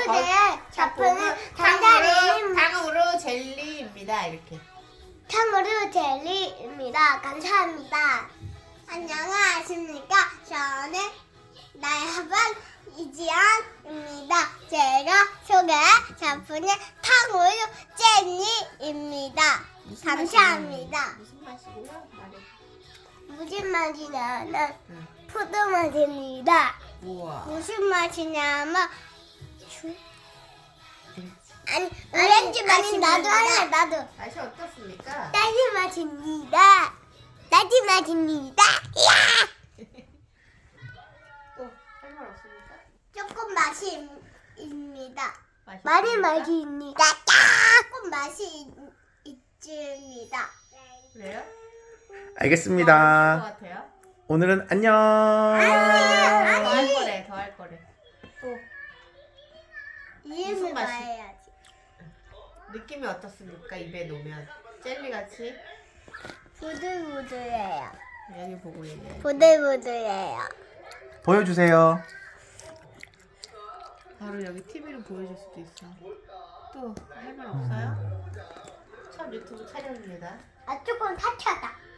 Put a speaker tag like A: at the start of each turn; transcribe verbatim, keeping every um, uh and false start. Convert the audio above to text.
A: 오늘의 작품은
B: 탕후루,
A: 달달이
B: 탕후루 젤리입니다. 이렇게.
A: 탕후루 젤리입니다. 감사합니다. 안녕하십니까. 저는 나야반 이지연입니다. 제가 소개할 작품은 탕후루 젤리입니다.
B: 무슨
A: 감사합니다.
B: 맛이- 무슨 맛이고요? 말해.
A: 무슨 맛이냐면
B: 응.
A: 포도 맛입니다.
B: 우와.
A: 무슨 맛이냐면 주-
B: 응.
A: 아니 오렌지 맛입니다. 나도 할래 나도.
B: 맛이 어떻습니까?
A: 딸기 맛입니다. 딸기 맛입니다. 이야!
B: 또 할 말 없습니까?
A: 조금 맛입니다.
B: 맛이
A: 많이
B: 없습니까?
A: 맛입니다. 조금 맛이 있, 있습니다.
B: 그래요?
C: 알겠습니다.
B: 더 같아요?
C: 오늘은 안녕.
B: 더 할 거래. 더 할 거래. 또
A: 이름을
B: 무슨 맛이?
A: 말해야지.
B: 느낌이 어떻습니까? 입에 놓으면 젤리 같이
A: 부들부들해요.
B: 여기 보고 있네.
A: 부들부들해요.
C: 보여주세요.
B: 바로 여기 티비로 보여줄 수도 있어. 또 할 말 없어요? 첫 유튜브 촬영입니다.
A: 아 조금 타쳐다.